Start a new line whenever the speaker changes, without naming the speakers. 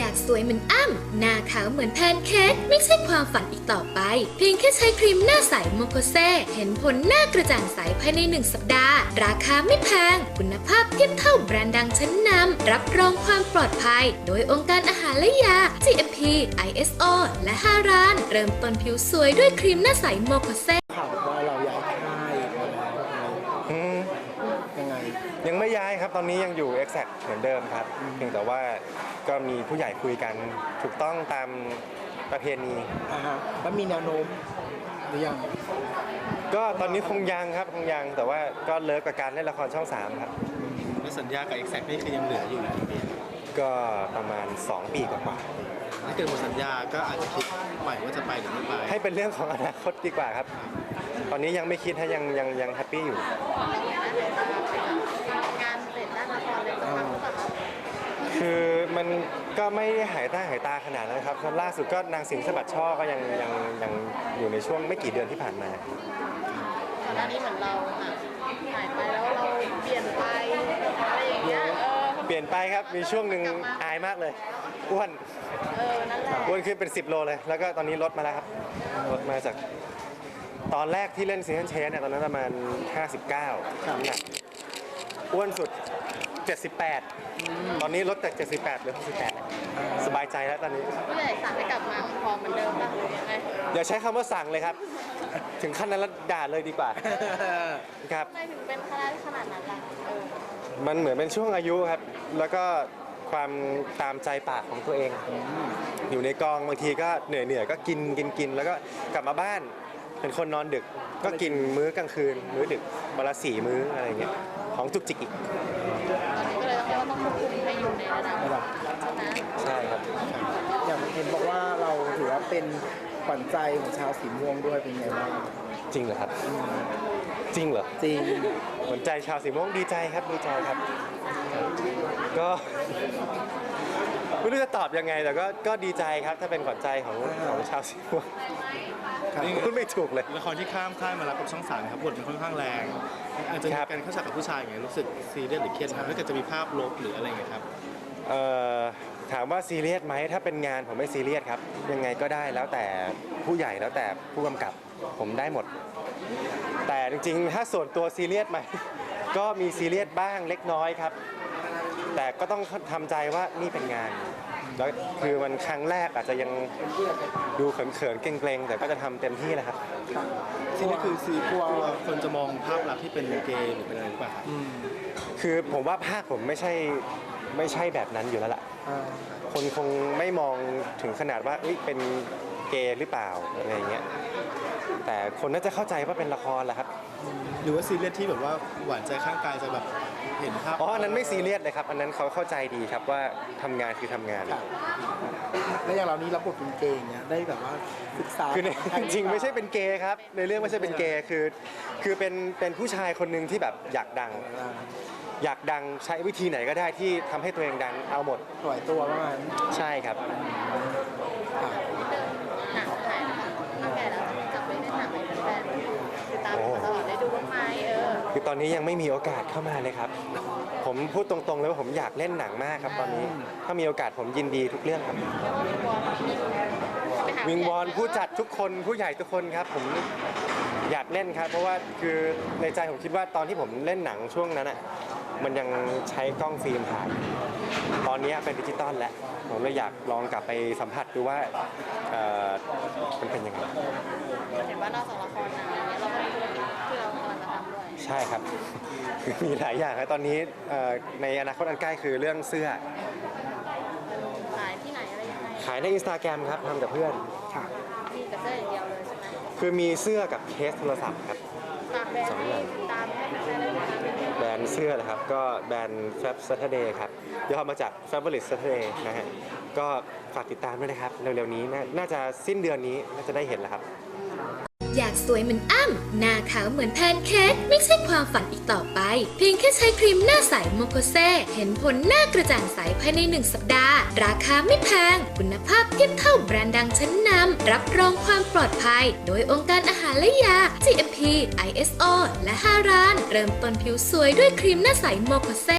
ากสวยเหมือนอ้ำหน้าขาวเหมือนแพนเค้กไม่ใช่ความฝันอีกต่อไปเพียงแค่ใช้ครีมหน้าใสโมโคเซเห็นผลหน้ากระจ่างใสภายใน1 สัปดาห์ราคาไม่แพงคุณภาพเทียบเท่าแบรนด์ดังชั้นนำรับรองความปลอดภัยโดยองค์การอาหารและยา GMP ISO และ5 ร้านเริ่มต้นผิวสวยด้วยครีมหน้าใสโมโคเซ
ข่าวว่าเราย้ายค่ายยังไง
ยังไม่ย้ายครับตอนนี้ยังอยู่ Exact เหมือนเดิมครับเพียงแต่ว่าก็มีผู้ใหญ่คุยกันถูกต้องตามประเพณี
แล้วมีแนวโน้มหรือยัง
ก็ตอนนี้คงยังครับคงยังแต่ว่าก็เลิกกับการเล่นละครช่อง 3ครับ
แล้วสัญญากับ Exact นี่คือยังเหลืออยู่กี่ปี
ก็ประมาณ2 ปีกว่า
ถ้าเกิดหมดสัญญาก็อาจจะคิดใหม่ว่าจะไปหรือไม่ไป
ให้เป็นเรื่องของอนาคตดีกว่าครับตอนนี้ยังไม่คิดให้ยังแฮปปี้อยู่คือมันก็ไม่หายตาขนาดนั้นครับล่าสุดก็นางสิงห์สะบัดช่อก็ยังอยู่ในช่วงไม่กี่เดือนที่ผ่านมา
ก่อนหน้านี้เหมือนเราหายไปแล้วเราเปลี่ยนไปอะไรอย่างเงี้ย
เปลี่ยนไปครับมีช่วงหนึ่งอายมากเลยอ้วน
นั่นแหละ
อ้วนขึ้นเป็น10 โลเลยแล้วก็ตอนนี้ลดมาแล้วครับลดมาจากตอนแรกที่เล่นซีซันเชนเนี่ยตอนนั้นประมาณ59น้ำหนักอ้วนสุด78ตอนนี้ลดจาก78เหลือ68สบายใจแล้วตอนนี้
ผู้ใหญ่สั่งให้กลับมาพอเหมือนเดิมป่ะหรือยังไง
อย่าใช้คำว่าสั่งเลยครับถึงขั้นนั้นแล้วด่าเลยดีกว่าครับ
ทำไมถึงเป็นขนาดนั้นล่ะ
มันเหมือนเป็นช่วงอายุครับแล้วก็ความตามใจปากของตัวเองอยู่ในกองบางทีก็เหนื่อยก็กินแล้วก็กลับมาบ้านเป็นคนนอนดึกก็กินมื้อกลางคืนมื้อดึกวันละ4 มื้ออะไรเงี้ยของจุกจิกอีก
ก็เลยต้องควบคุมให้อยู่ในระดับใช่ไหม
ใช่ครับ
อย่างเห็นบอกว่าเราถือว่าเป็นขวัญใจของชาวสีม่วงด้วยเป็นไงบ้าง
จริงเหรอครับจริงเหรอ
จริง
ขวัญใจชาวสีม่วงดีใจครับก็ไม่รู้จะตอบยังไงแต่ก็ดีใจครับถ้าเป็นขวัญใจของชาวสีม่วงพูดไม่ถูกเลย
ละครที่ข้ามค่ายมารับกับช่อง 3ครับบทมันค่อนข้างแรงอาจจะมีการเข้าฉากกับผู้ชายอย่างเงี้ยรู้สึกซีเรียสหรือเครียดไหมถ้าเกิดจะมีภาพลบหรืออะไรอย่างเงี้ยครับ
ถามว่าซีเรียสไหมถ้าเป็นงานผมไม่ซีเรียสครับยังไงก็ได้แล้วแต่ผู้ใหญ่แล้วแต่ผู้กำกับผมได้หมดแต่จริงๆถ้าส่วนตัวซีเรียสไหมก็มีซีเรียสบ้างเล็กน้อยครับแต่ก็ต้องทำใจว่านี่เป็นงานแล้วคือมันครั้งแรกอาจจะยังดูเขินๆเกรงๆแต่ก็จะทำเต็มที่แหละครับ
ซีนี่คือซีกลัวคนจะมองภาพลักษณ์ที่เป็นเกย์หรือเป็นอะไรหรือเปล่าครับ
คือผมว่าภาคผมไม่ใช่แบบนั้นอยู่แล้วล่ะคนคงไม่มองถึงขนาดว่าเป็นเกย์หรือเปล่าอะไรอย่างเงี้ยแต่คนน่าจะเข้าใจว่าเป็นละครแหละครับ
หรือว่าซีเรียสที่แบบว่าหวานใจข้างกายจะแบบเห็นภาพ
อันนั้นไม่ซีเรียสเลยครับอันนั้นเขาเข้าใจดีครับว่าทำงานคือทำงาน
แล้วอย่างเรานี้รับบทเป็นเกย์เนี่ยได้แบบว่าศึกษา
คือจริงๆไม่ใช่เป็นเกย์ครับในเรื่องไม่ใช่เป็นเกย์คือเป็นผู้ชายคนหนึ่งที่แบบอยากดังใช้วิธีไหนก็ได้ที่ทำให้ตัวเองดังเอาหมด
ปล่อยตัวประมาณ
ใช่ครับ
หนังถ่ายถ้าแก่แล้วจะกลับไปเล่นหนังให้แฟนๆติดตามตลอดได้ดูบ้างไหม
คือตอนนี้ยังไม่มีโอกาสเข้ามาเลยครับผมพูดตรงๆเลยว่าผมอยากเล่นหนังมากครับตอนนี้ถ้ามีโอกาสผมยินดีทุกเรื่องครับวิงวอนผู้จัดทุกคนผู้ใหญ่ทุกคนครับผมอยากเล่นครับเพราะว่าคือในใจผมคิดว่าตอนที่ผมเล่นหนังช่วงนั้นมันยังใช้กล้องฟิล์มถ่ายตอนนี้เป็นดิจิตอลแล้วผมเลยอยากลองกลับไปสัมผัสดูว่ามันเป็นยังไง
เห็นว่านอกจากละครหนังอะไรเงี้ยเราก็มีธุรกิจที่เรากำลังจะทำด้วย
ใช่ครับมีหลายอย่างครับตอนนี้ในอนาคตอันใกล้คือเรื่องเสื้อ
ขายที่ไหนอะไรยังไง
ขายใน Instagram ครับทำกับเพื่อน
มีกับเสื้ออย่างเดียวเลยใช่ไหม
คือมีเสื้อกับเคสโทรศัพท์ครับ
2 อย่างตาม
แบรนด์เสื้อนะครับก็แบรนด์ Fab Saturday ครับย่อมาจาก Fabulous Saturday นะฮะก็ฝากติดตามด้วยนะครับเร็วๆนี้น่าจะสิ้นเดือนนี้น่าจะได้เห็นแล้วครับ
อยากสวยเหมือนอ้ำหน้าขาวเหมือนแพนเค้กไม่ใช่ความฝันอีกต่อไปเพียงแค่ใช้ครีมหน้าใสโมโคเซเห็นผลหน้ากระจ่างใสภายใน1 สัปดาห์ราคาไม่แพงคุณภาพเทียบเท่าแบรนด์ดังชั้นนำรับรองความปลอดภัยโดยองค์การอาหารและยา GMP ISO และ5 ร้านเริ่มต้นผิวสวยด้วยครีมหน้าใสโมโคเซ